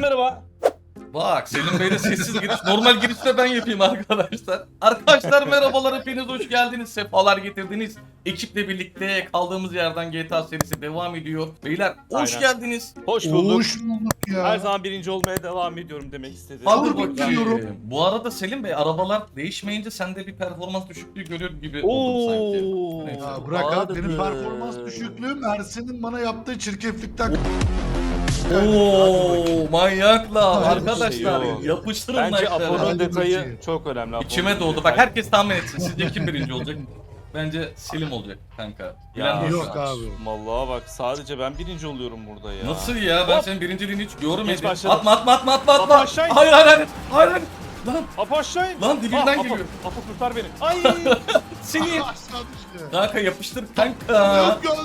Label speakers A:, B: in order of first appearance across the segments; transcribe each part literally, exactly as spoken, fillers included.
A: merhaba.
B: Bak Selim Bey'le sessiz giriş. Normal girişte ben yapayım arkadaşlar. Arkadaşlar merhabalar, hepiniz hoş geldiniz. Sefalar getirdiniz. Ekiple birlikte kaldığımız yerden G T A serisi devam ediyor. Beyler hoş
A: Aynen.
B: geldiniz.
A: Hoş bulduk.
C: Hoş bulduk ya.
A: Her zaman birinci olmaya devam ediyorum demek istedim.
B: Hadi
C: Olur,
B: bakayım.
C: biliyorum.
B: Bu arada Selim Bey, arabalar değişmeyince sende bir performans düşüklüğü görüyor gibi oldum sanki.
A: Oo.
B: Neyse.
C: Ya bırak abi, benim
A: Vardır.
C: performans düşüklüğüm Ersin'in bana yaptığı çirkeflikten.
B: Oo manyaklar
C: Hadi
B: arkadaşlar,
A: bakayım.
B: yapıştırın
A: Bence
B: like'ları.
A: Apo'nun
C: Hadi
A: detayı
C: bakayım.
A: çok önemli. Apo'nun
B: İçime doğdu.
A: detayı.
B: Bak herkes tahmin etsin. Sizce kim birinci olacak? Bence Selim olacak kanka. Bilen
A: Ya,
B: yok
C: yok
B: şu an.
C: abi.
A: Vallahi bak sadece ben birinci oluyorum burada ya.
B: Nasıl ya? Ben
A: Hop.
B: senin birinciliğini hiç
A: Geç
B: görmedim.
A: başladım.
B: Atma atma atma atma
A: Atla
B: atma.
A: aşağı in.
B: Hayır hayır hayır. Hayır hayır. Lan
A: Apo aşağı in.
B: lan dibinden
A: Aa,
B: geliyor.
A: Apo, Apo kurtar beni. Ay.
B: Seni.
C: Aşağı düştü.
B: Kanka yapıştır kanka.
C: Yok gel.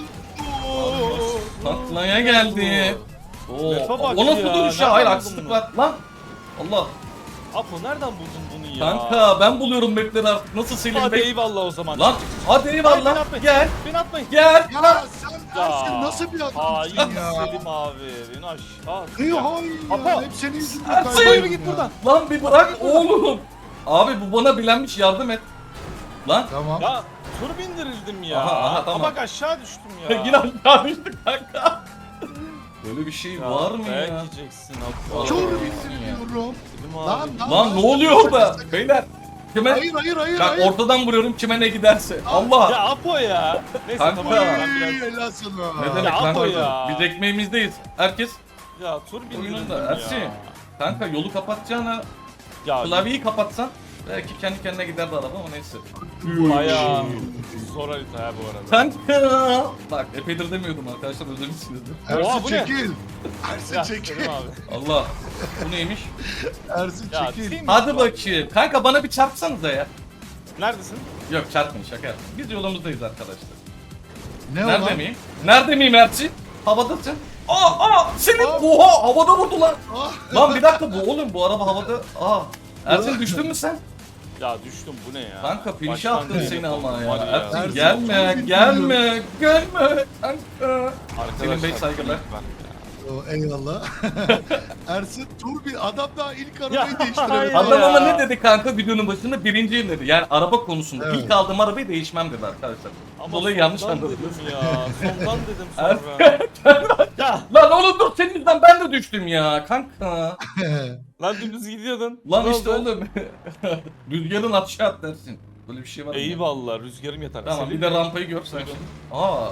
B: Patlaya geldi. Oo.
A: Lafa bak
B: O nasıl
A: ya,
B: duruş ya?
A: nereden
B: Hayır
A: buldun
B: haksızlık
A: bunu?
B: var. Lan. Allah.
A: Apo nereden buldun bunu ya?
B: Kanka ben buluyorum mapleri artık. Nasıl Selim
A: Hadi
B: Bey?
A: eyvallah o zaman.
B: Lan hadi
A: Hayır, beni
B: eyvallah.
A: atmayın.
B: Gel.
A: Beni atmayın.
B: Gel.
C: Ya sen Ersin
A: Ya,
C: nasıl bir adamsın
A: hain
C: ya?
A: Selim abi. Beni aşağı at.
C: İyi
A: Ya.
C: hain ya.
A: Apo.
C: Hep senin yüzünden
B: Ersin.
C: kaybettim
A: Yürü git
C: ya.
A: buradan.
B: Lan bir bırak oğlum. Abi bu bana bilenmiş, yardım et. Lan.
C: Tamam.
A: Ya tur bindirildim ya.
B: Aha, aha, tamam.
A: Aa, bak aşağı düştüm ya.
B: Yine aşağı düştük kanka. Böyle bir şey
A: Ya,
B: var mı
A: dayak
B: ya?
A: yiyeceksin Apo.
C: Çok
B: Aa,
C: bindiriyorum.
A: Selim abi.
C: Lan lan.
B: Lan ne oluyor orada? Beyler. Kime?
C: Hayır hayır hayır
B: Bak
C: hayır.
B: ortadan vuruyorum, kime ne giderse. Allah.
A: Ya Apo ya. Neyse
B: Kanka.
A: tamam ben
C: Ay,
A: biraz...
C: helal sana.
B: Ne demek
A: Ya
B: kanka?
A: Apo ya.
B: Biz ekmeğimizdeyiz. Herkes
A: Ya tur bindirildim
B: oyununda.
A: ya.
B: Ersin. Kanka yolu kapatacağına
A: Ya
B: klavyeyi kapatsan belki kendi kendine giderdi araba ama neyse.
A: bayağı zor harita ya bu arada.
B: Kanka. Bak epeydir demiyordum arkadaşlar, özlemişsinizdir.
A: Oha, bu
C: Ersin
A: ne?
C: çekil. Ersin
A: Ya
C: çekil.
A: Selim abi.
B: Allah. Bu neymiş?
C: Ersin
A: Ya
C: çekil.
A: team-
B: Hadi bakayım. Kanka bana bir çarpsanıza ya.
A: Neredesin?
B: Yok çarpmayın, şaka yaptım. Biz yolumuzdayız arkadaşlar.
C: Ne
B: Nerede
C: olan?
B: miyim? Nerede miyim Erçin? Havadasın. Aa aa senin
C: Aa.
B: oha havada vurdu lan.
C: Ah.
B: Lan bir dakika, bu oğlum bu araba havada. Aa. Ersin düştün mü sen?
A: Ya düştüm bu ne ya?
B: Kanka finişe
A: Baştan
B: attın
A: değil,
B: seni ama
A: var
B: ya. Ersin
C: Ersin,
B: gelme
C: çok
B: gelme gelme kanka.
A: Arkadaşlar,
B: Selim Bey saygılar.
A: ben ya.
C: O, eyvallah. Ersin dur bir adam daha ilk arabayı
A: Ya,
C: değiştiremedi.
A: hayır.
B: Adam ama
A: ya.
B: ne dedi kanka videonun başında? Birinciyim dedi. Yani araba konusunda
C: Evet.
B: ilk aldığım arabayı değişmem dedi arkadaşlar.
A: Ama
B: Dolayı yanlış
A: sondan
B: anladınız.
A: dedim ya. Sondan dedim
B: Ersin.
A: sonra. Ya
B: Lan oğlum dur, senin yüzünden ben de düştüm ya kanka.
A: lan dümdüz gidiyordun.
B: Lan
A: Ne
B: işte
A: oldu? oğlum.
B: Rüzgarın aşağı at dersin. Böyle bir şey var mı?
A: Eyvallah rüzgarım yeter.
B: Tamam
A: Selim
B: bir de
A: Bey.
B: rampayı görsen. Aa.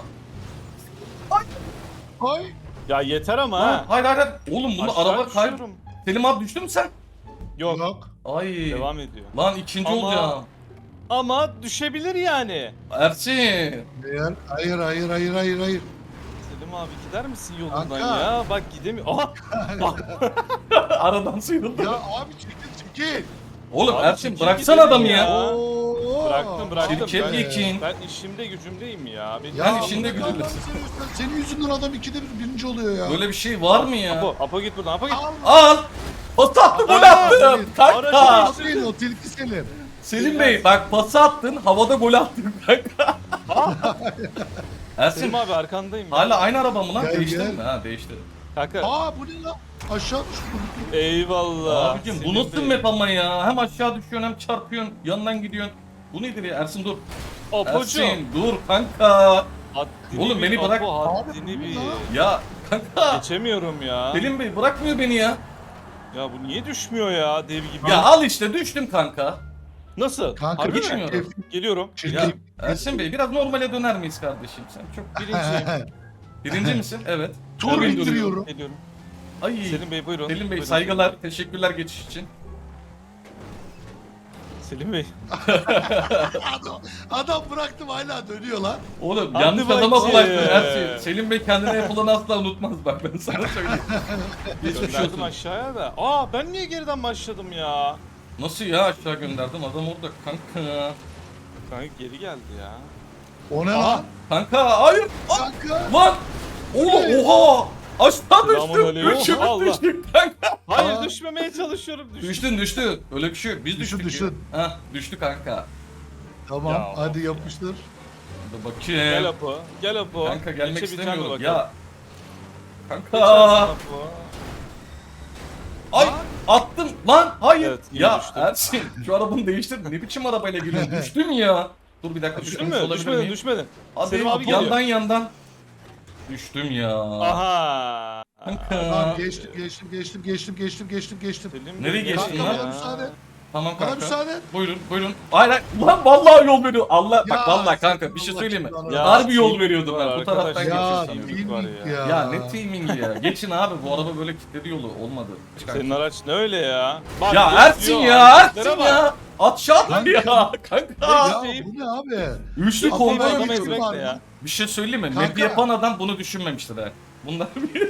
C: Ay.
A: Ya yeter ama
B: Ha.
A: ha.
B: Hayır hayır hayır. Oğlum bunu
A: Aşağı
B: araba kay...
A: düşüyorum.
B: Selim abi düştün mü sen?
A: Yok.
C: Yok.
B: Ay.
A: Devam ediyor.
B: Lan ikinci
A: Ama-
B: olacağım.
A: Ama düşebilir yani.
B: Ersin.
C: Hayır hayır hayır hayır hayır. hayır.
A: Selim abi gider misin yolundan
C: Kanka.
A: ya? Bak gidemiyor. Aha!
B: Aradan sıyrıldı.
C: Ya abi çekil çekil.
B: Oğlum
A: Abi
B: Ersin
A: çekil
B: bıraksana
A: gidelim
B: adamı ya.
A: ya.
C: Oo.
A: Bıraktım bıraktım.
B: Şirket
A: Ben,
B: yekin.
A: ben işimde gücümdeyim ya. Benim
C: Ya
B: Ben
C: Allah
B: işinde
C: Allah'ını
B: güdülürsün.
C: seversen, senin yüzünden adam ikide bir birinci oluyor ya.
B: Böyle bir şey var mı ya?
A: Apo, Apo git buradan Apo git.
C: Allah.
B: Al. Pası attım, gol
A: Aa,
B: attım.
A: Aracı
B: Kanka.
C: Senin o tilki Selim.
B: Selim Bey bak pası attın, havada gol attın kanka. Ersin
A: Selim abi arkandayım ya.
B: hala aynı araba mı lan?
C: Gel,
B: Değişti
C: gel.
B: mi? Ha değişti.
A: Kanka.
C: Aa bu ne lan? Aşağı düştü.
A: Eyvallah.
B: Abicim bu
A: Selim
B: nasıl
A: Bey.
B: map ama ya? Hem aşağı düşüyorsun hem çarpıyorsun, yandan gidiyorsun. Bu nedir ya? Ersin dur.
A: Apocuğum.
B: Ersin dur kanka.
A: Haddini
B: Oğlum
A: bil,
B: beni bırak.
A: Apo,
C: Abi,
A: haddini
C: bu ne
A: bil.
C: lan?
B: Ya kanka.
A: Geçemiyorum ya.
B: Selim Bey bırakmıyor beni ya.
A: Ya bu niye düşmüyor ya dev gibi?
B: Ya al işte düştüm kanka.
A: Nasıl?
C: Kanka
A: Harbi
C: bir
A: mi?
B: geçmiyor.
C: çirkef.
A: Geliyorum.
B: Ya
C: Çirkef.
B: Ersin Bey biraz normale döner miyiz kardeşim? Sen çok
A: Birinciyim.
B: birinci misin? Evet.
C: Tur
B: Tur
C: bindiriyorum.
A: Geliyorum.
B: Ay.
A: Selim Bey buyurun.
B: Selim Bey
A: Buyurun.
B: saygılar, teşekkürler geçiş için.
A: Selim Bey.
C: Adam, adam bıraktım hala dönüyor lan.
B: Oğlum
A: Hadi
B: yanlış adama
A: bakayım.
B: bulaştın Ersin. Selim Bey kendine yapılanı asla unutmaz bak, ben sana söyleyeyim. Geçmiş
A: Gönderdim
B: olsun.
A: aşağıya da. Aa ben niye geriden başladım ya?
B: Nasıl ya, aşağı gönderdim adam orada kanka.
A: Kanka geri geldi ya.
C: O ne
A: Aha.
C: lan?
B: Kanka hayır. Ah,
C: Kanka.
B: lan. Oğlum oha. Aşağı düştüm.
A: Selamünaleyküm.
B: Üçümüz
A: Allah.
B: düştük kanka.
A: Hayır
C: Aa.
A: düşmemeye çalışıyorum. Düştüm.
B: Düştün düştün. Öyle bir şey yok. Biz
C: Düştün,
B: düştük.
C: düştün.
B: Ha düştü kanka.
C: Tamam
A: Ya,
C: hadi
A: of.
C: yapıştır.
B: Hadi bakayım.
A: Gel Apo. Gel Apo.
B: Kanka gelmek
A: Geçebileceğim mi
B: istemiyorum.
A: bakalım?
B: Ya.
A: Geçersin
B: Kanka.
A: Apo.
B: Ay
C: Lan.
B: attım lan hayır.
D: Evet, yine
B: ya
D: düştüm.
B: Ersin şu arabanı değiştir. Ne biçim arabayla geliyorsun? Düştüm ya. Dur bir dakika
D: Düştün
B: düşmüş
D: mü?
B: olabilir
D: Düşmedin,
B: miyim?
D: düşmedin.
B: Hadi
D: Selim abi geliyor.
B: yandan yandan. Düştüm ya.
D: Aha.
B: Kanka.
C: Lan geçtim geçtim geçtim geçtim geçtim geçtim geçtim.
D: Selim
B: Nereye
D: Bey
B: geçtin
C: Kanka
B: lan?
C: bana müsaade.
B: Tamam
C: Bana
B: kanka.
C: müsaade.
B: Buyurun buyurun. Hayır hayır. Lan vallahi yol veriyor. Allah bak
C: Ya,
B: vallahi kanka bir şey
C: Allah
B: söyleyeyim mi?
C: Allah.
D: Ya,
B: Harbi yol
D: teaming
B: veriyordum
D: var
B: ben. Bu
D: arkadaş
B: taraftan
D: ya.
C: Ya
B: geçiyorsun.
D: teaming var
C: teaming
D: ya.
C: ya.
B: Ya ne teamingi ya. Geçin abi bu araba böyle kilitledi yolu. Olmadı. Çıkar.
D: Senin araç ne öyle ya? Bak,
B: Ya
D: geçiyor,
B: Ersin ya
D: hareketlere
B: Ersin
D: bak.
B: ya. At şat
C: Kanka.
B: ya kanka.
C: Ya bu ne abi?
B: Üçlü
C: Adam
B: kombo
C: böyle
D: Adam
C: bir
B: yapıyor.
D: ezmek
C: var
D: ne
C: mı?
D: ya?
B: Bir şey söyleyeyim mi?
C: Kanka.
B: Map yapan adam bunu düşünmemiştir ha. Bunlar bir...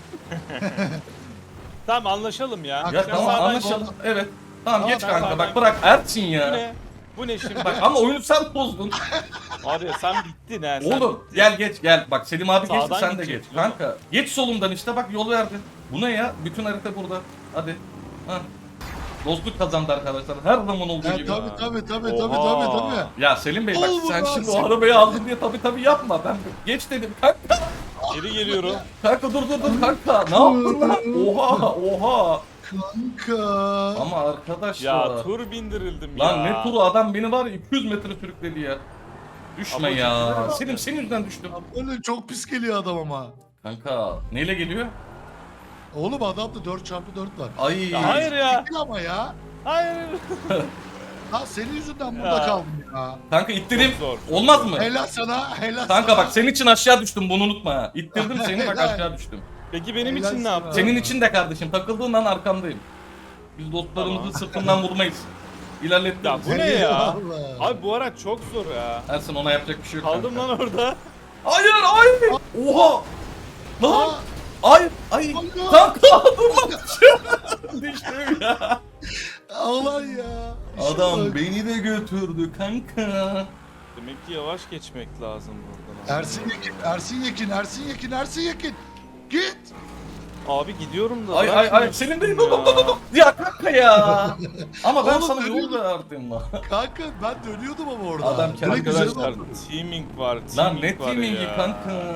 D: Tamam anlaşalım ya.
B: Ya
C: Kanka,
B: tamam
D: sağdan
B: anlaşalım.
D: gol.
B: Evet. Tamam,
C: Tamam,
B: geç
D: ben
B: kanka
D: sağdan-
B: bak bırak Ersin
D: Bu
B: ya.
D: ne? Bu ne şimdi?
B: Bak ama oyunu sen bozdun.
D: Abi sen bittin ha. Sen
B: Oğlum
D: bittin.
B: gel geç gel. Bak Selim abi geçti
D: Sağdan
B: sen de geç.
D: gideceksin oğlum.
B: Kanka geç solumdan işte bak yol verdin. Bu ne ya? Bütün harita burada. Hadi. Ha. Dostluk kazandı arkadaşlar. Her zaman olduğu
C: Ya
B: gibi.
C: tabii tabii tabii tabii
D: Oha.
C: tabii tabii.
B: Ya Selim Bey bak
C: Ol
B: sen
C: buradan
B: şimdi
C: sen-
B: o arabayı aldın diye tabii tabii yapma. Ben geç dedim kanka.
D: Geri geliyorum.
B: Kanka dur dur dur kanka. Ne yaptın lan? Oha oha.
C: Kanka.
B: Ama arkadaşlar.
D: Ya tur bindirildim
B: Lan
D: ya.
B: ne turu adam beni var ya iki yüz metre sürükledi ya. Düşme
D: Ama
B: ya.
C: ciddi mi?
B: Selim senin yüzünden düştüm.
C: Ya böyle çok pis geliyor adam ama.
B: Kanka neyle geliyor?
C: Oğlum adamda dört çarpı dört var.
B: Ay.
D: Ya hayır ya.
C: Değil ama ya.
D: Hayır.
C: Ha senin yüzünden burada
D: Ya.
C: kaldım ya.
B: Kanka ittireyim.
D: Çok zor, çok
B: Olmaz
D: zor.
B: mı?
C: Helal sana helal
B: Kanka
C: sana.
B: bak senin için aşağı düştüm bunu unutma ha. İttirdim seni bak
C: Helal.
B: aşağı düştüm.
D: Peki benim
C: Helal
D: için ne
C: sana.
D: yaptın?
B: Senin için de kardeşim takıldığın an arkandayım. Biz dostlarımızı
D: Tamam.
B: sırtından vurmayız. İlerlettik.
D: Ya bu ne ya?
C: Eyvallah.
D: Abi bu araç çok zor ya.
B: Ersin ona yapacak bir şey yok
D: Kaldım
B: kanka.
D: lan orada.
B: Hayır hayır. Oha. Lan.
C: Aa,
B: Ay ay.
C: Allah.
B: Kanka dur lan. Düştüm ya.
C: Ağlan ya. İşe
B: Adam
C: bak.
B: beni de götürdü kanka.
D: Demek ki yavaş geçmek lazım buradan.
C: Ersin Yekin, Ersin Yekin, Ersin Yekin, Ersin Yekin. Git.
D: Abi gidiyorum da.
B: Ay ay ay
D: bırakmıyorsun
B: senin de
D: ya.
B: dur dur dur dur. Ya kanka ya. Ama ben
C: Oğlum,
B: sana yol
C: dönüyorum.
B: verdim lan.
C: Kanka ben dönüyordum ama orada.
B: Adam kendi
C: Direkt üzerine
D: Arkadaşlar
C: oturdum.
D: teaming var.
B: Lan
D: Teaming
B: ne
D: var
B: teamingi
D: ya.
B: kanka.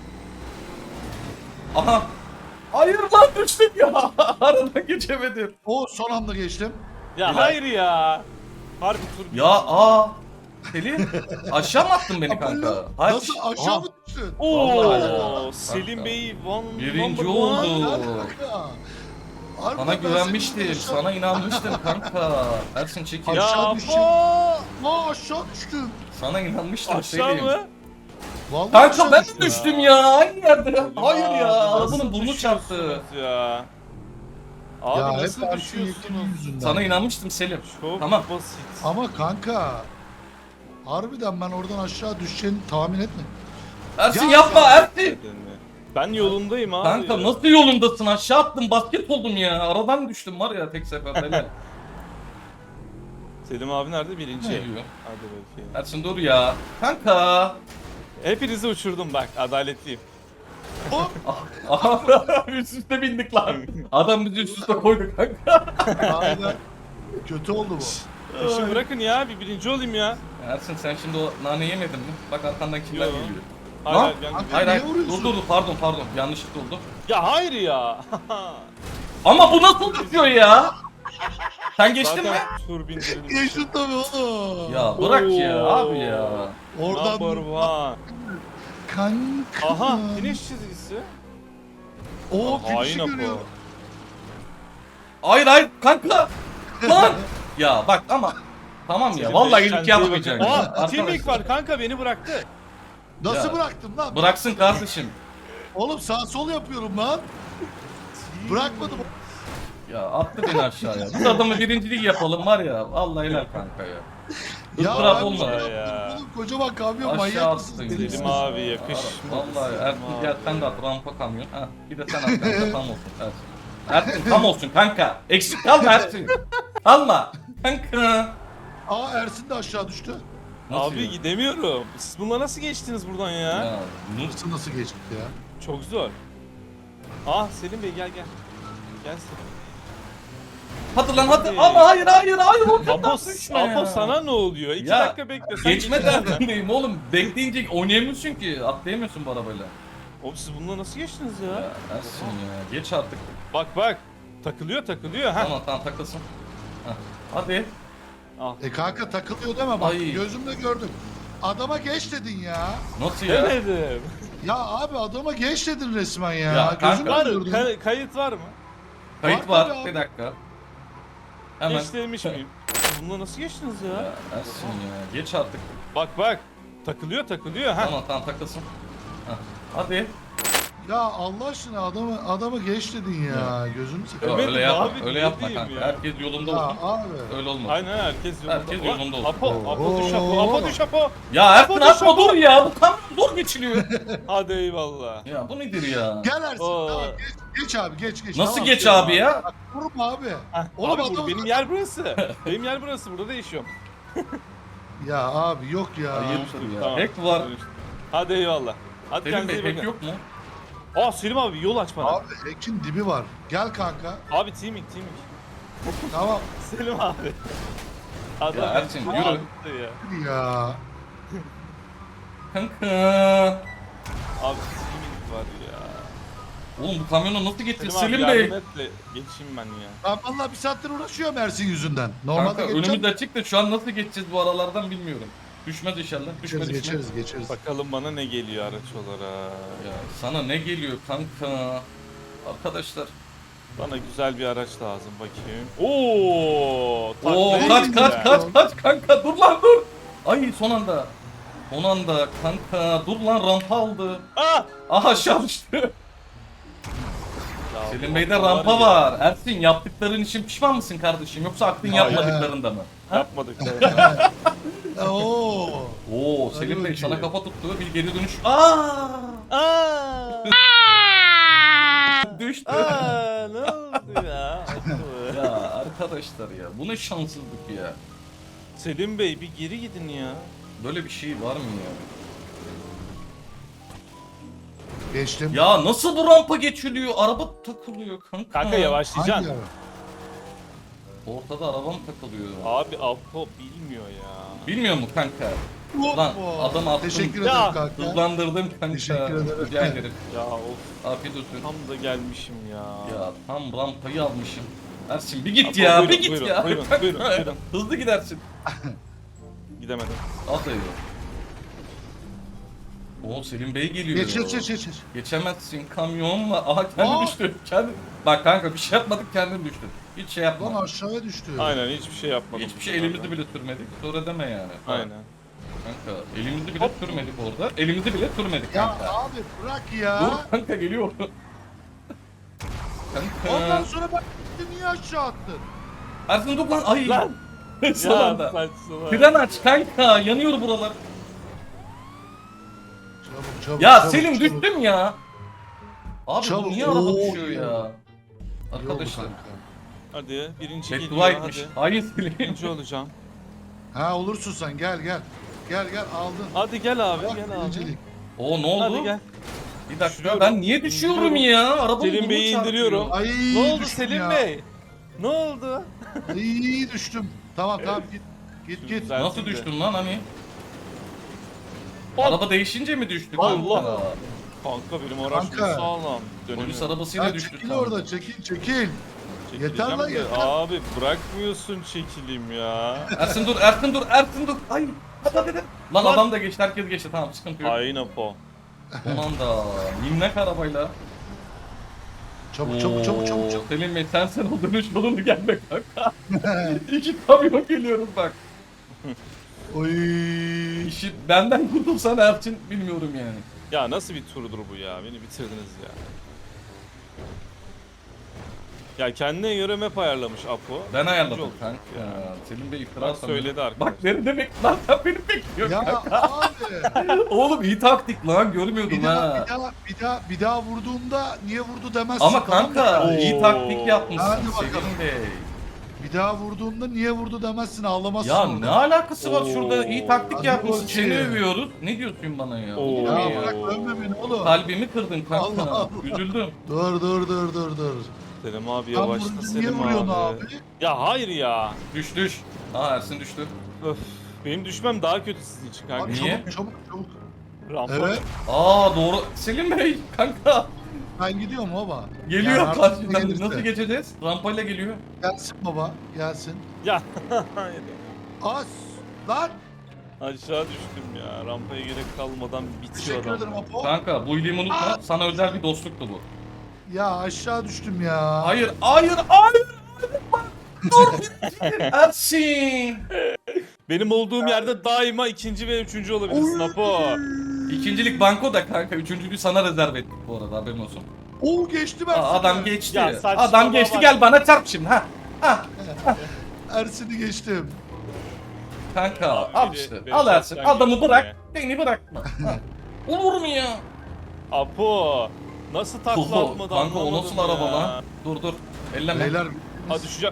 B: Aha. Hayır lan düştüm ya. Aradan geçemedim.
C: O son anda geçtim.
D: Ya
B: Bilal.
D: hayır ya. Harbi tur.
B: Ya aa. Selim aşağı mı attın beni kanka?
C: Apollo,
B: Hayır.
C: nasıl aşağı
D: Aha.
C: mı düştün?
B: Vallahi ya.
D: Oo, Selim Bey one
B: Birinci
D: number
B: oldu.
D: one.
C: Lan kanka. Harbiden
B: Sana
C: ben
B: güvenmiştim.
C: seni aşağı-
B: Sana inanmıştım kanka. Ersin çekil.
D: Ya
C: Aşağı düştüm.
D: po-
C: Aa aşağı düştüm.
B: Sana inanmıştım
D: Aşağı
B: Selim.
D: mı?
C: Vallahi
B: Kanka
C: aşağı
B: ben
C: düştüm.
B: de düştüm ya. Aynı yerde.
D: Selim
B: Hayır
D: abi,
B: ya.
D: nasıl
B: Arabanın burnu çarptı.
D: düşüyorsunuz Ya. Abi
C: Ya hep
D: nasıl
C: Ersin
D: düşüyorsunuz?
C: Yekin'in yüzünden.
B: Sana inanmıştım Selim.
D: Çok
B: Tamam.
D: basit.
C: Ama kanka. Harbiden ben oradan aşağı düşeceğini tahmin etmedim.
B: Ersin
C: Ya-
B: yapma Ersin.
D: Ben yolundayım abi.
B: Kanka
D: ya.
B: nasıl yolundasın? Aşağı attım basket oldum ya. Aradan düştüm var ya tek seferde. Helal.
D: Selim abi nerede? Birinci.
B: Ne diyor?
D: Hadi bakayım.
B: Ersin dur ya. Kanka.
D: Hepinizi uçurdum bak. Adaletliyim.
C: Hop.
B: Aha üst üste bindik lan. Adam bizi üst üste koydu kanka.
C: Aynen. Kötü oldu bu.
D: İşi bırakın ya. Bir birinci olayım ya.
B: Ersin sen şimdi o nane yemedin mi? Bak arkandan kimler
D: Yo.
B: geliyor.
D: Hayır,
B: Lan,
D: hayır, ben
C: Kanka,
B: Hayır hayır
C: niye vuruyorsun?
B: dur dur dur pardon pardon yanlışlık oldu.
D: Ya hayır ya.
B: Ama bu nasıl düşüyor ya? Sen geçtin mi?
D: Zaten tur bindirilmiş.
C: Geçtin tabii oğlum.
B: Ya bırak ya
D: Oo.
B: abi ya.
C: Oradan
D: Number one.
C: kanka.
D: Aha finish çizgisi.
C: O
D: Hain
C: finişi
D: Apo.
C: görüyor.
B: Hayır hayır kanka. Lan. Ya bak ama tamam ya
D: Selim
B: vallahi
D: Bey,
B: iyilik
D: kendinize iyi
B: yapmayacaksın.
D: bakın.
B: ya.
D: Aa teaming
B: Arkadaşlar.
D: var kanka beni bıraktı.
C: Nasıl
B: Ya.
C: bıraktın lan?
B: Bıraksın kardeşim.
C: Oğlum sağ sol yapıyorum lan. Bırakmadım.
B: Ya attı beni aşağıya. Biz adamı birincilik yapalım var ya. Vallahi helal kanka ya.
C: Ya
B: Izdırap
C: ben
B: olmadı.
C: bir şey
D: Ya.
C: yapmadım oğlum. Kocaman kamyon
B: Aşağı
C: manyak mısın?
B: attın
C: Deli
B: ya.
D: Selim
C: misin?
D: abi yakışmadı.
B: Vallahi
D: Selim
B: Ersin
D: abi.
B: gel sen de at rampa kamyon. Ha, bir de sen at kanka tam olsun Ersin. Ersin tam olsun kanka. Eksik kalma Ersin. Kalma. Kanka.
C: Aa Ersin de aşağı düştü.
B: Nasıl
D: Abi
B: ya?
D: gidemiyorum. Siz bununla nasıl geçtiniz buradan ya?
B: Ya, Nur-
C: Nasıl nasıl geçti ya?
D: Çok zor. Ah Selim Bey gel gel. Gel Selim.
B: Hadi lan hadi.
D: Hadi.
B: Ama hayır hayır hayır. O
D: Apo, Apo sana ne oluyor? İki
B: Ya,
D: dakika bekle. Sen
B: Geçme
D: geçeceksin.
B: derdindeyim oğlum. Bekleyince oynayamıyorsun ki. Atlayamıyorsun bu arabayla.
D: Oğlum siz bununla nasıl geçtiniz ya?
B: Ya Ersin ya. Geç artık.
D: Bak bak. Takılıyor takılıyor. Ha.
B: Tamam tamam takılsın. Heh. Hadi.
D: Al.
C: E kanka takılıyor deme bak
B: Ay.
C: gözümle gördüm. Adama geç dedin ya.
B: Nasıl ya?
D: Demedim.
C: Ya abi adama geç dedin resmen ya.
B: Ya
C: gözümle
D: Var,
C: gördüm.
D: kay- kayıt var mı?
B: Kayıt
C: Var
B: var.
C: tabii abi.
B: Bir dakika. Hemen.
D: Geç demiş miyim? Bununla nasıl geçtiniz ya?
B: Ya Ersin ya. Geç artık.
D: Bak bak. Takılıyor takılıyor. Ha.
B: Tamam tamam takılsın. Heh. Hadi.
C: Ya Allah aşkına adamı adamı geç dedin ya. Gözümü
B: Yok,
C: sıkıyor.
D: Evet,
B: öyle yapma.
D: abi,
B: öyle
D: ne
B: yapma
D: diyeyim
B: kanka.
D: ya?
B: Herkes yolunda
C: Ya
B: olsun.
C: abi.
B: Öyle olmaz.
D: Aynen herkes yolunda.
B: Herkes
D: Ulan,
B: yolunda olsun.
D: Apo, Apo du
C: Oo.
D: şapo, Apo du şapo.
B: Ya Ersin
D: Apo,
B: atma
D: şapo.
B: dur ya. Bu kamyon zor geçiliyor.
D: Hadi eyvallah.
B: Ya bu nedir ya?
C: Gel Ersin.
D: Oo.
C: Tamam, geç, geç abi geç geç.
B: Nasıl
C: tamam.
B: geç abi ya?
C: Bak, vurma abi.
D: Heh,
C: Oğlum
D: abi bu
C: adam-
D: benim yer burası. benim yer burası. Burada değişiyorum.
C: Ya abi yok ya.
B: Ayıptır ya.
D: Tamam.
B: Hack var.
D: Hadi eyvallah. Hadi
B: Selim
D: kendinize
B: Bey
D: iyi
B: hack
D: bakın.
B: yok mu?
D: Aa Selim abi yol aç bana. Abi,
C: Abi Ekin dibi var. Gel kanka.
D: teaming teaming.
C: Tamam.
D: Selim abi. Adam
B: Ya Ersin,
D: beni
B: yürü.
D: attı ya.
C: Ya.
B: Kanka.
D: Abi teaming var ya.
B: Oğlum bu kamyonu nasıl getir
D: Selim,
B: Selim
D: abi
B: Bey?
D: yardım et de geçeyim ben ya.
C: Ben vallahi bir saattir uğraşıyorum Ersin yüzünden. Normalde
B: Kanka
C: geçeceğim.
B: önümüz açık da şu an nasıl geçeceğiz bu aralardan bilmiyorum. Düşmez inşallah. Düşmez
C: Geçeriz
B: düşmez.
C: geçeriz geçeriz.
D: Bakalım bana ne geliyor araç olarak.
B: Ya sana ne geliyor kanka? Arkadaşlar.
D: Bana güzel bir araç lazım bakayım. Oo!
B: Oo
D: takla
B: kaç
D: yedi
B: kaç
D: ya.
B: kaç kaç kanka dur lan dur. Ay son anda. Son anda kanka dur lan rampa aldı.
D: Ah!
B: Aha aşağı düştü.
D: Ya
B: Selim
D: bu
B: Bey'de
D: var
B: rampa
D: ya.
B: var. Ersin yaptıkların için pişman mısın kardeşim? Yoksa aklın
C: Hayır.
B: yapmadıklarında mı?
D: Yapmadık.
C: Oo.
B: Oo Selim Bey
C: bakayım.
B: sana kafa tuttu bir geri dönüş. Aa!
D: Aa!
B: Düştü.
D: Aa! Ne oldu ya?
B: Ya arkadaşlar ya bu ne şanssızlık ya.
D: Selim Bey bir geri gidin ya.
B: Böyle bir şey var mı ya?
C: Geçtim.
B: Ya nasıl bu rampa geçiliyor? Araba takılıyor kanka.
D: Kanka
C: Hangi
D: yavaşlayacaksın.
C: ara?
B: Ortada arabam takılıyor.
D: Abi Apo bilmiyor ya.
B: Bilmiyor mu kanka? Lan
C: Hoppa.
B: adam attım.
C: Teşekkür
D: Ya.
C: ederim kanka.
B: Hızlandırdım kanka.
C: Teşekkür ederim.
B: Rica ederim.
D: Ya of
B: Afiyet olsun.
D: tam da gelmişim ya.
B: Ya tam rampayı almışım. Ersin bir git
D: Apo,
B: ya,
D: buyurun,
B: bir git
D: buyurun,
B: ya.
D: buyurun,
B: Kanka,
D: buyurun, buyurun.
B: Hızlı gidersin.
D: Gidemedim.
B: Atayı. Oo Selim Bey geliyor.
C: Geç geç geç geç. geç.
B: Geçemezsin kamyon var. Aha kendi
C: Aa!
B: düştü. Kendi... Bak kanka bir şey yapmadık kendin düştün. Hiç şey
C: Lan
B: yapma.
C: aşağıya düştü.
D: Aynen hiçbir şey yapmadım.
B: Hiçbir şey elimizi bile sürmedik. Sonra deme yani.
D: Aynen.
B: Kanka elimizi bile sürmedik orada. Elimizi bile sürmedik
C: Ya
B: kanka.
C: abi bırak ya.
B: Dur kanka geliyor.
C: Ondan
B: kanka.
C: sonra bak niye aşağı attın?
B: Ersin dur lan. Ay.
D: Lan!
B: Son
D: Ya
B: anda.
D: saçmalama.
B: Fren aç kanka. Yanıyor buralar.
C: Çabuk çabuk.
B: Ya
C: çabuk,
B: Selim
C: çabuk.
B: düştüm ya. Abi
C: Çabuk.
B: bu niye araba
C: Oo,
B: düşüyor
C: ya.
B: ya?
C: İyi oldu
B: Arkadaşlar.
C: kanka.
D: Hadi birinci geliyor
B: Bedduaymış.
D: hadi.
B: Hayır Selim.
D: Birinci olacağım.
C: Ha olursun sen gel gel. Gel gel aldın.
D: Hadi gel abi
C: Bak,
D: gel abi.
C: birincilik.
B: Oo ne oldu?
D: Hadi gel.
B: Bir dakika
D: Düşüyorum.
B: ben niye düşüyorum
D: İndiriyorum.
B: ya? Arabanın
D: Selim
B: burnu
D: Bey'i
B: çarpıyor.
D: indiriyorum.
C: Ay
D: Ne oldu
C: düştüm
D: Selim
C: ya.
D: Bey? Ne oldu?
C: Ay düştüm. Tamam tamam git. Git git.
D: Güzel.
B: Nasıl
D: Şimdi.
B: düştün lan hani?
D: Bak.
B: Araba değişince mi düştük?
D: Allah.
B: kanka?
D: Kanka benim araç
C: Kanka.
D: sağlam. Dönüyor.
B: Polis arabasıyla
C: Ya
B: düştük.
C: çekil
B: kanka.
C: orada çekil çekil.
D: Çekileceğim
C: Yeter lan,
D: de,
C: yeter.
D: Abi bırakmıyorsun çekilim ya.
B: Ersin dur, Ersin dur, Ersin dur. Ay. Hadi hadi. hadi. Lan
D: Lan.
B: adam da geçti, herkes geçti. Tamam sıkıntı yok.
D: Hain Apo.
B: Aman da minnak arabayla.
C: Çabuk çabuk çabuk çabuk çabuk.
B: Selim Bey sen sen o dönüş yolunu gelme kanka. İki kamyon geliyorum bak.
C: Oy.
B: İşi benden kurtulsan Ersin bilmiyorum yani.
D: Ya nasıl bir turdur bu ya? Beni bitirdiniz ya. Ya kendine göre map ayarlamış Apo.
B: Ben ayarladım
D: Oldu.
B: kanka. Selim Bey iftira
D: Bak
B: atamıyor.
D: söyledi arkadaş.
B: Bak ne demek lan sen beni bekliyorsun
C: Ya
B: kanka.
C: abi.
B: Oğlum iyi taktik lan görmüyordum
C: Bir daha,
B: ha.
C: bir daha bir daha bir daha vurduğunda niye vurdu demezsin.
B: Ama
C: tamam mı?
B: kanka iyi
D: Oo.
B: taktik yapmışsın
C: Hadi bakalım.
B: Selim Bey.
C: Bir daha vurduğunda niye vurdu demezsin ağlamazsın.
B: Ya
C: orada.
B: ne alakası var
D: Oo.
B: şurada iyi taktik
C: Hadi
B: yapmışsın
C: bakayım.
B: seni övüyoruz. Ne diyorsun bana ya?
D: Oo.
B: Olur
C: Ya
B: mu
D: Oo.
B: ya?
C: bırak övme beni oğlum.
B: Kalbimi kırdın kanka.
C: Allah Allah.
B: Üzüldüm.
C: Dur dur dur dur dur.
D: Selim abi
C: Tam
D: yavaşla
C: vurunca niye
D: Selim
C: vuruyorsun
D: abi.
C: abi?
D: Ya hayır ya.
B: Düş düş. Aa Ersin düştü.
D: Öf. Benim düşmem daha kötü sizin için kanka.
C: Abi
B: Niye?
C: çabuk çabuk çabuk.
D: Rampa.
C: Evet.
B: Aa doğru. Selim Bey kanka.
C: Ben gidiyorum baba.
B: Geliyor
C: Yani artık
B: karşıdan.
C: gelirse.
B: Nasıl geçeceğiz? Rampayla geliyor.
C: Gelsin baba. Gelsin.
D: Ya.
C: As. Lan.
D: Aşağı düştüm ya. Rampaya gerek kalmadan bitiyor
C: Teşekkür
D: adam.
C: ederim Apo.
B: Kanka bu iyiliğimi unutma. Sana özel bir dostluktu bu.
C: Ya aşağı düştüm ya.
B: Hayır, hayır, hayır. Dur. Ersin.
D: Benim olduğum yerde daima ikinci ve üçüncü olabilirsin Apo.
B: İkincilik banko da kanka. Üçüncülüğü sana rezerv ettik bu arada, haberin olsun.
C: Oo geçti ben.
B: Aa, adam geçti.
D: Ya saçmalama
B: Adam geçti,
D: bak.
B: gel bana çarp şimdi ha. Ha.
C: Ersin'i geçtim.
B: Kanka
D: Abi
B: al
D: biri-
B: işte.
D: biri
B: Al Ersin.
D: şaptan
B: Adamı
D: geçti
B: bırak.
D: ya.
B: Beni bırakma. Ha. Olur mu ya?
D: Apo. Nasıl takla
B: Oho,
D: atmadı
B: kanka o
D: anlamadım
B: nasıl
D: ya.
B: araba lan? Dur dur. Elleme.
C: Beyler
D: Ha düşeceğim.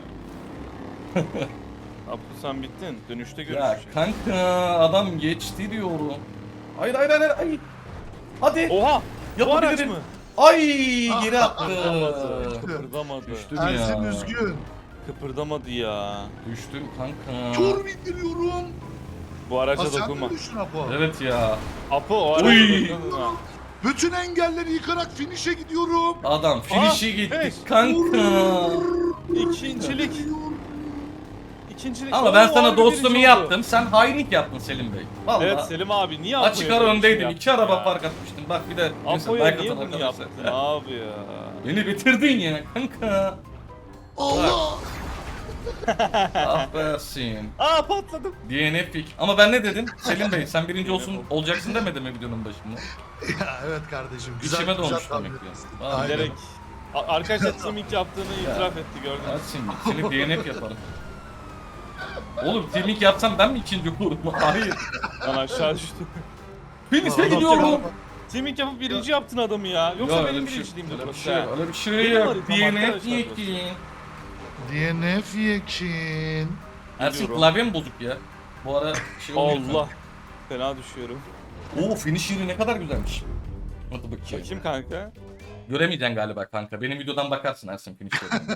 D: Apo sen bittin. Dönüşte
B: Ya
D: görüşeceğiz.
B: kanka adam geçti diyorum. Hayır hayır hayır hayır. Hadi.
D: Oha! Bu araç
B: Yapabilirim.
D: mı?
B: Ay geri attı.
D: Kıpırdamadı. Kıpırdamadı.
B: Düştüm
C: Ersin
B: ya.
C: üzgün.
D: Kıpırdamadı ya.
B: Düştüm kanka.
C: Tur bindiriyorum.
D: Bu araca
C: Aa, sen
D: dokunma.
C: mi düştün Apo?
B: Evet ya.
D: Apo o araca
B: Uy.
D: dokunma.
C: Bütün engelleri yıkarak finish'e gidiyorum.
B: Adam finish'i
D: Aa,
B: gitti
D: evet.
B: kanka.
D: İkincilik. İkincilik.
B: Ama
D: Oo,
B: ben sana
D: harbi
B: dostumu
D: birinci
B: yaptım. Sen hainlik yaptın Selim Bey. Vallahi.
D: Evet Selim abi niye
B: Açık
D: Apo'ya
B: ara
D: böyle bir şey
B: öndeydim. İki
D: yaptın
B: araba
D: ya?
B: fark atmıştım. Bak bir de neyse,
D: Apo'ya
B: like
D: niye
B: atan
D: bunu
B: arkadaşlar.
D: yaptın abi ya?
B: Beni bitirdin ya kanka.
C: Allah.
B: Ah be Ersin.
D: Aa patladım.
B: D N F pick. Ama ben ne dedim? Selim Bey sen birinci
D: D N F
B: olsun olacaksın demedim mi videonun başında?
C: Ya evet kardeşim. Güzel,
B: İçime
C: güzel
B: doğmuş
C: tahmin
B: demek ki.
C: etmişsin.
B: Vallahi.
C: Aynen.
D: Bilerek. A- Arkadaşlar Tim ilk yaptığını itiraf etti gördün mü?
B: Ersin seni D N F yaparım. Oğlum teaming yapsam ben mi ikinci olurum? Hayır.
D: Ben aşağı düştüm.
B: Finish'e
C: Adam
B: gidiyorum.
D: Tim ilk yapıp birinci yaptın adamı ya. Yoksa
B: Ya, öyle
D: benim
B: bir şey-
D: birinciliğimdi
B: öyle bir
D: burası.
B: şey,
D: ha.
B: öyle bir şey
D: Benim
B: yok.
D: haritam
B: D N F
D: arkadaşlar
B: yekin.
C: D N F yekin.
B: Ersin
D: Biliyorum.
B: klavyem bozuk ya. Bu ara şey oluyor.
D: Allah. Fena düşüyorum.
B: Oo finish yeri ne kadar güzelmiş. Hadi bakayım.
D: Bakayım kanka.
B: Göremeyeceksin galiba kanka. Benim videodan bakarsın Ersin finish yerine.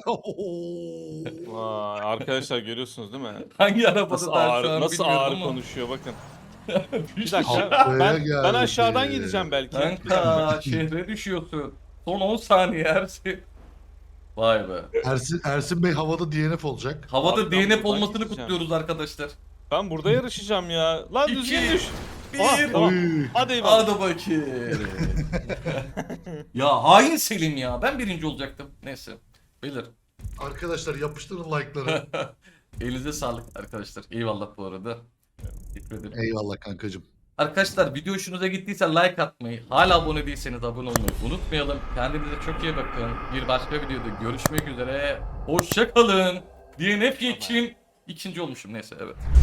D: Vay, arkadaşlar görüyorsunuz değil mi?
B: Hangi arabada
D: Nasıl
B: daha şu
D: ağır,
B: an
D: nasıl
B: bilmiyorum
D: ağır
B: ama.
D: konuşuyor bakın. Bir
B: Finish-
D: dakika
C: Haftaya
D: ben, ben
C: geldi.
D: aşağıdan gideceğim belki. Bir dakika.
B: Kanka şehre düşüyorsun. Son on saniye Ersin. Vay be.
C: Ersin, Ersin Bey havada D N F olacak.
B: Havada
D: Abi
B: D
D: ben
B: N F
D: buradan
B: olmasını
D: gideceğim.
B: kutluyoruz arkadaşlar.
D: Ben burada yarışacağım ya. Lan
B: İki,
D: düzgün düş.
B: Bir.
D: Ah, tamam.
C: Oy.
D: Hadi eyvallah.
B: Hadi bakayım. Ya hain Selim ya. Ben birinci olacaktım. Neyse. Bilir.
C: Arkadaşlar yapıştırın like'ları.
B: Elinize sağlık arkadaşlar. Eyvallah bu arada. Teşekkür ederim.
C: Eyvallah kankacım.
B: Arkadaşlar video hoşunuza gittiyse like atmayı, hala abone değilseniz abone olmayı unutmayalım. Kendinize çok iyi bakın. Bir başka videoda görüşmek üzere. Hoşça kalın. D N F için ikinci olmuşum neyse evet.